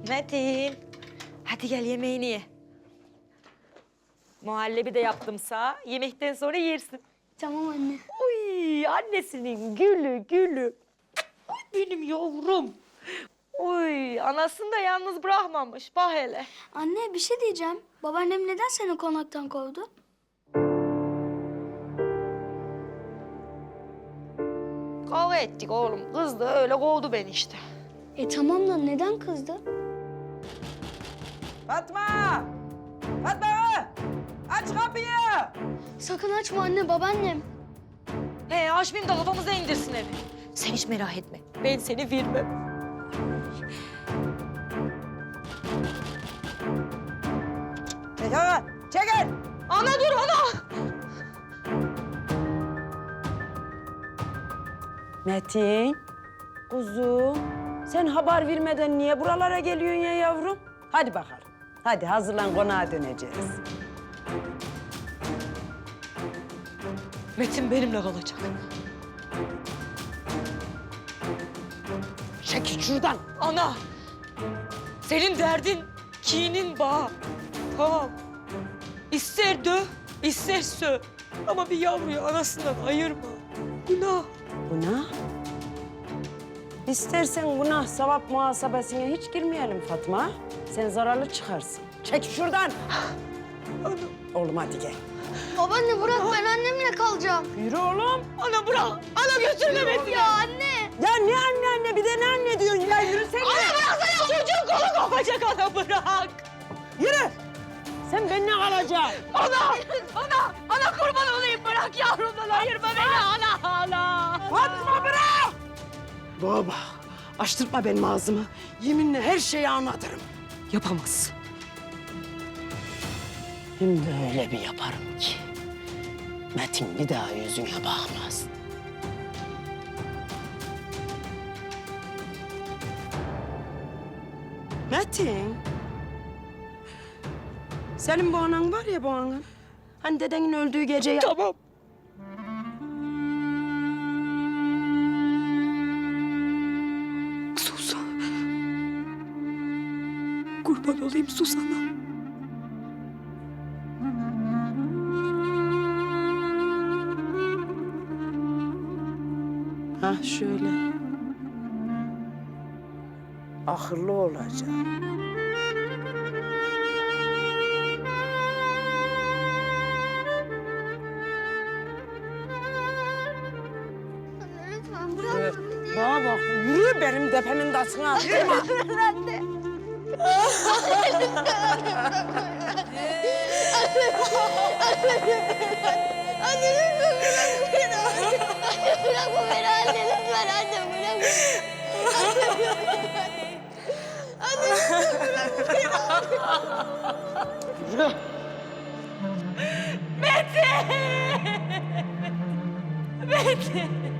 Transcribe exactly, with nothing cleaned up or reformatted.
Metin. Hadi gel yemeğini ye. Muhallebi de yaptım sağ. Yemekten sonra yersin. Tamam anne. Uy annesinin gülü gülü. Ay benim yavrum. Uy anasını da yalnız bırakmamış. Bak hele. Anne bir şey diyeceğim. Babaannem neden seni konaktan kovdu? Kavga ettik oğlum. Kız da öyle kovdu beni işte. E tamam da neden kızdı? Fatma! Fatma! Aç kapıyı! Sakın açma anne, babaannem. He açmayayım da kafamıza indirsin evi. Sen hiç merak etme. Ben seni vermem. Çekil! Çekil! Ana dur ana! Metin, kuzum. Sen haber vermeden niye buralara geliyorsun ya yavrum? Hadi bakalım. Hadi hazırlan, konağa döneceğiz. Metin benimle kalacak. Çekil şuradan. Ana! Senin derdin kinin bağı. Tamam. İster döv, ister söv. Ama bir yavruyu anasından ayırma. Günah. Günah? İstersen günah sevap muhasebesine hiç girmeyelim Fatma. Sen zararlı çıkarsın. Çek şuradan. Ana, Oğlum hadi gel. Babaanne bırak, ben annemle kalacağım. Yürü oğlum. ana bırak. Ana götürme Metin'i. Ya anne. Ya ne anne anne bir de ne anne diyorsun ya yürüsene. Ana bıraksana çocuğun kolu kopacak ana bırak. Yürü. Sen benimle kalacaksın. Ana! Ana! Ana kurban olayım bırak yavrumdan ayırma beni ana ana. Fatma bırak! Baba, açtırtma benim ağzımı. Yeminle her şeyi anlatırım. Yapamazsın. Hem de öyle bir yaparım ki Metin bir daha yüzüne bakmaz. Metin. Senin bu anan var ya bu anan. Hani dedenin öldüğü gece... Tamam. Sus. Kurban olayım sus ana. Ha şöyle. Akıllı olacaksın. Anne lütfen bırak. Bana bak, yürü benim tepemin tasına attırma. Anne. Anne lütfen bırak beni. Anne bırakma beni anne lütfen anne bırakma. Anne lütfen bırakma beni. Yürü. Metin! Metin!